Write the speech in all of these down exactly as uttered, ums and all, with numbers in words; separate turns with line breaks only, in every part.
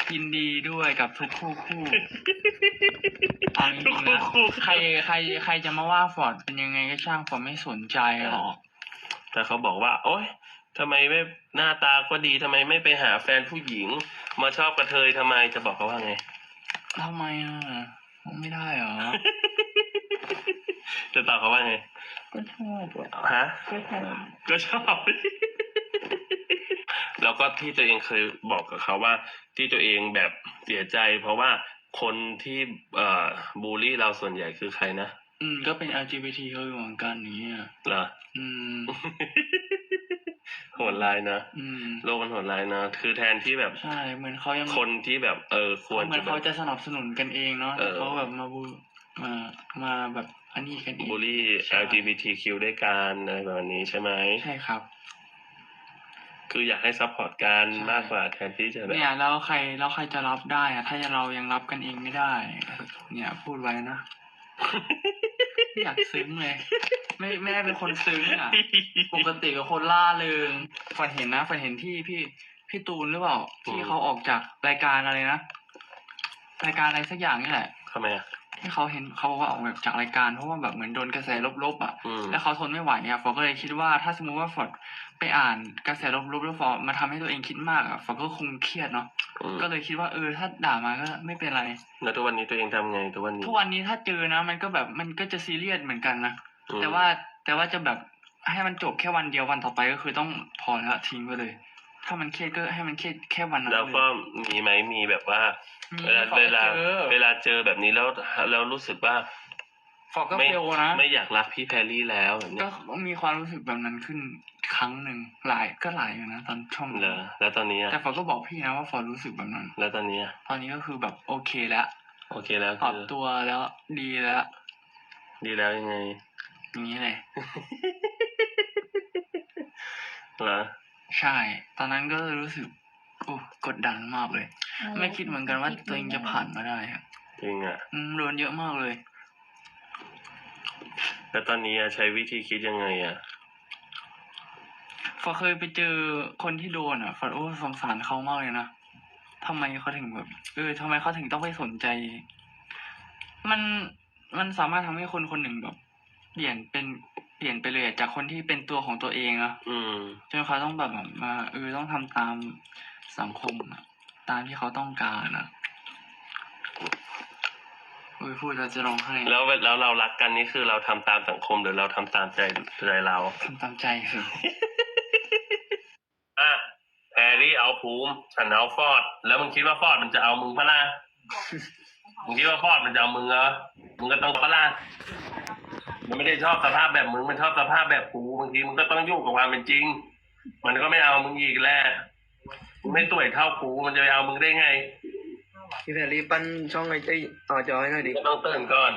ยินดีด้วยกับทุกคู่คู่เอาจริงๆนะใครใครใครจะมาว่าฟอร์ดเป็นยังไงก็ช่างฟอร์ดไม่สนใจหรอก
แต่เขาบอกว่าโอ๊ยทำไมไม่หน้าตาก็ดีทำไมไม่ไปหาแฟนผู้หญิงมาชอบกระเทยทำไมจะบอกเขาว่าไง
ทำไมอ่ะไม่ได้เหรอ
จะตอบเขาว่าไง
ก็ชอบอ่ะ
ฮะ
ก็ชอบ
ก็ชอบ แล้วก็ที่ตัวเองเคยบอกกับเขาว่าที่ตัวเองแบบเสียใจเพราะว่าคนที่เอ่อบูลลี่เราส่วนใหญ่คือใครนะ
อืมก็เป็น แอล จี บี ที เขาอยู่เหมือนกันอย่างเงี้ย
เหรอ
อืม
โหดร้ายนะ
อืม
โลกมันโหดร้ายนะคือแทนที่แบบ
ใช่เหมือนเขายัง
คนที่แบบเออควร
เหมือนเขาจะสนับสนุนกันเองเนาะแต่เขาแบบมาบูมามาแบบอันนี้กันเอง
บูลลี่ แอล จี บี ที คิว ด้วยกันอะไรแบบนี้ใช่ไหม
ใช่ครับ
คืออยากให้ซัพพอร์ตกันมากกว่าแทนที่จะแบบ
เนี่ยแล้วใครแล้วใครจะรับได้อะถ้าเรายังรับกันเองไม่ได้เนี่ยพูดไว้นะอยากซึ้งเลยไม่ไม่ได้เป็นคนซึ้งอ่ะปกติเป็นคนล่าเริงฝันเห็นนะฝันเห็นที่พี่พี่ตูนหรือเปล่าที่เขาออกจากรายการอะไรนะรายการอะไรสักอย่างนี่แหละ
ทำไมอ่ะ
ที่เขาเห็นเขาว่าออกแบบจากรายการเพราะว่าแบบเหมือนโดนกระแสลบๆอ่ะแล้วเขาทนไม่ไหวอ่ะฟอร์ก็เลยคิดว่าถ้าสมมติว่าฟอร์ดไปอ่านกระแสลบๆแล้วฟอร์ดมาทำให้ตัวเองคิดมากอ่ะฟอร์ก็คงเครียดเนาะก็เลยคิดว่าเออถ้าด่ามาก็ไม่เป็นไร
แล้วทุกวันนี้ตัวเองทำไงทุกวันนี้
ทุกวันนี้ถ้าเจอนะมันก็แบบมันก็จะซีเรียสเหมือนกันนะแต่ว่าแต่ว่าจะแบบให้มันจบแค่วันเดียววันต่อไปก็คือต้องพอแล้วทิ้งไปเลยถ้ามันเครียดก็ให้มันเครียดแค่วันนั้น
แล้วก็มีไหมมีแบบว่าเวลาเวลาเวลาเจอแบบนี้แล้วแล้วรู้สึกว่า
ฟอร์ก็เฟลนะ
ไม่อยากรักพี่แพรรี่แล้วแบบนี้
ก็มีความรู้สึกแบบนั้นขึ้นครั้งหนึ่งหลายก็หลายอยู่นะตอนช่วง
เหรอแล้วตอนนี้
แต่ฟอร์ก็บอกพี่นะว่าฟอร์รู้สึกแบบนั้น
แล้วตอนนี้
ตอนนี้ก็คือแบบโอเคแล้ว
โอเคแล้ว
ปรับตัวแล้วดีแล้ว
ดีแล้วยังไง
อย่างนี้เลย
เหรอ
ใช่ตอนนั้นก็รู้สึกโอ้กดดันมากเลยไม่คิดเหมือนกันว่าตัวเองจะผ่านมาได้ครับ
จริงอ่ะ
อืมโดนเยอะมากเลย
แล้วตอนนี้ใช้วิธีคิดยังไงอ่ะ
ฟอเคยไปเจอคนที่โดนอ่ะฟอโอ้สงสารเขามากเลยนะทำไมเขาถึงแบบเออทำไมเขาถึงต้องไปสนใจ มันมันสามารถทำให้คนคนหนึ่งแบบเปลี่ยนเป็นเปลี่ยนไปเลยจากคนที่เป็นตัวของตัวเองอะจนเขาต้องแบบมาเออต้องทำตามสังคมอะตามที่เขาต้องการอะโอ้ยพูดแล้วจะร้องไห้
แล้วแล้วเรารักกันนี่คือเราทำตามสังคมหรือเราทำตามใจใจเรา
ทำตามใจคือ
อ่ะแพรรี่เอาภูมิฉันเอาฟอร์ดแล้วมึงคิดว่าฟอร์ดมันจะเอามึงปะล่ะมึงคิดว่าฟอร์ดมันจะเอามึงเหรอมึงก็ต้องปะล่ะมันไม่ได้ชอบสภาพแบบมึงมันชอบสภาพแบบกูบางทีมึงก็ต้องยุ่งกับความเป็นจริงมันก็ไม่เอามึงอีกแล้วมึงไม่ต่วยเท่ากูมันจะไปเอามึงได้ไง
พี่แพรรี่ปั้นช่องไอ้ไอ้ต่อจอให้หน่อยดิ
ก็ต้องตื่นก่อน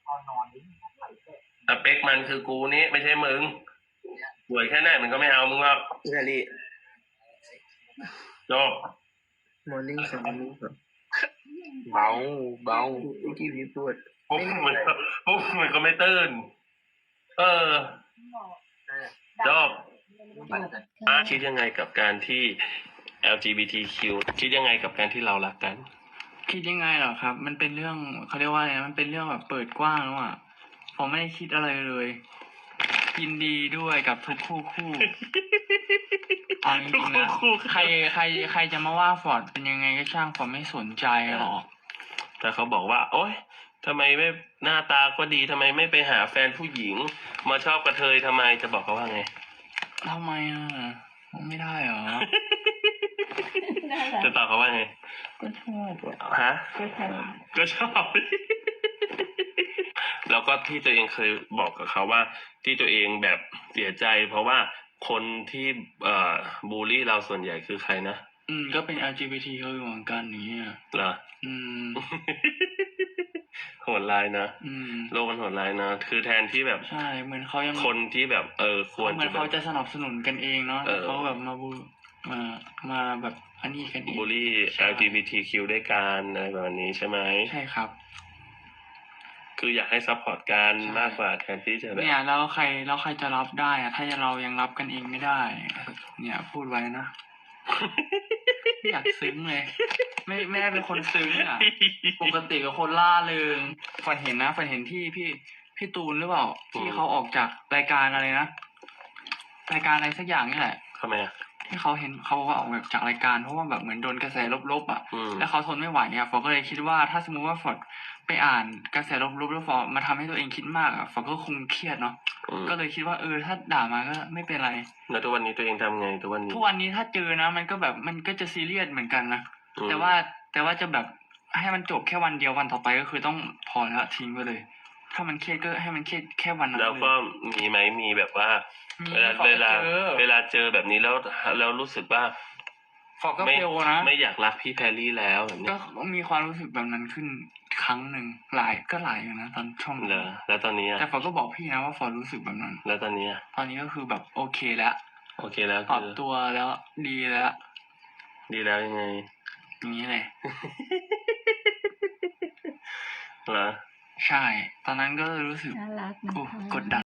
สเปคมันคือกูนี้ไม่ใช่มึงสวยแค่ไหนมันก็ไม่เอามึงหรอก
พี่แพรรี่
จบ
morning สองโมงครับเบาเบาไอ้ที่พี่พูด
ปุ๊บมันก็ปุ๊บมันก็ไม่ตื่นเออจบคิดยังไงกับการที่ แอล จี บี ที คิว คิดยังไงกับการที่เรารักกัน
คิดยังไงเหรอครับมันเป็นเรื่องเขาเรียกว่าอะไรมันเป็นเรื่องแบบเปิดกว้างแล้วอ่ะผมไม่ได้คิดอะไรเลยยินดีด้วยกับทุกคู่คู่เอาจริงๆนะใครใครใครจะมาว่าฟอร์ดเป็นยังไงก็ช่างฟอร์ดไม่สนใจหรอก
แต่เขาบอกว่าโอ๊ยทำไมไม่หน้าตาก็ดีทำไมไม่ไปหาแฟนผู้หญิงมาชอบกระเทยทำไมจะบอกเขาว่าไง
ทำไมอ่ะไม่ได้เหรอ
จะตอบเขาว่าไง
ก็ชอบ
ฮะก็ชอบก็ชอบ แล้วก็ที่ตัวเองเคยบอกกับเขาว่าที่ตัวเองแบบเสียใจเพราะว่าคนที่เอ่อบูลลี่เราส่วนใหญ่คือใครนะ
อืมก็เป็น แอล จี บี ที เขาอยู่เหมือนกันอย่างเงี้ย
เหรอ
อืม
โหดร้ายนะโลกมันโหดร้ายนะคือแทนที่แบบ
ใช่เหมือนเขายัง
คนที่แบบเออควร
เหมือนเขาจะสนับสนุนกันเองเนาะเขาแบบมาบูมามาแบบอันนี้กันเอง
บูลลี่ แอล จี บี ที คิว ด้วยกันอะไรแบบนี้ใช่ไหม
ใช่ครับ
คืออยากให้ซัพพอร์ตกันมากกว่าแทนที่จะแบบ
เนี่ยแล้วใครแล้วใครจะรับได้อะถ้าเรายังรับกันเองไม่ได้เนี่ยพูดไว้นะอยากซึ้งเลยไม่ไม่ได้เป็นคนซึ้งอ่ะ ปกติเป็นคนล่าเริงฝันเห็นนะฝันเห็นที่พี่พี่ตูนหรือเปล่าที่เขาออกจากรายการอะไรนะรายการอะไรสักอย่างนี่แหละ
ทำไมอ่ะ
ที่เขาเห็นเขาบอกว่าออกแบบจากรายการเพราะว่าแบบเหมือนโดนกระแสลบๆอ่ะ
อืม
แล้วเขาทนไม่ไหวอ่ะฟอร์ก็เลยคิดว่าถ้าสมมติว่าฟอร์ดไปอ่านกระแสลบๆแล้วฟอร์ดมาทำให้ตัวเองคิดมากอ่ะฟอร์ดก็คงเครียดเนาะ
อืม
ก็เลยคิดว่าเออถ้าด่ามาก็ไม่เป็นไร
แล้วทุกวันนี้ตัวเองทำไงทุกวันนี้
ทุกวันนี้ถ้าเจอนะมันก็แบบมันก็จะซีเรียสเหมือนกันนะ
อืม
แต่ว่าแต่ว่าจะแบบให้มันจบแค่วันเดียววันต่อไปก็คือต้องพอแล้วทิ้งไปเลย ถ้ามันเครียดก็ให้มันเครียดแค่วันนั้น
แล้ว
เล
ก็
ย
มีไหมมีแบบว่า
มี
เวลา
ฟอร์
เว
ด
ลา
เจอ
เวลาเจอแบบนี้แล้วแล้วรู้สึกว่า
ฟอร์ดก็
ไม่
เฟลนะ
ไม่อยากรักพี่แพรรี่แล้วแบบนี้
ก็มีความรู้สึกแบบนั้นขึ้นครั้งหนึ่งหลายก็หลายอยู่นะตอนช่วง
เหรอแล้วตอนนี้อะ
แต่ฟอร์ดก็บอกพี่นะว่าฟอร์ดรู้สึกแบบนั้น
แล้วตอนนี้อะ
ตอนนี้ก็คือแบบโอเคแล้ว
โอเคแล้ว
ปรับ
คือ
ตัวแล้วดีแล้ว
ดีแล้วยังไง
อย่างนี้เลย
เหรอ
ใช่ ตอนนั้นก็รู้สึก
น่ารักนะ
โอ้
คะ
กดดัน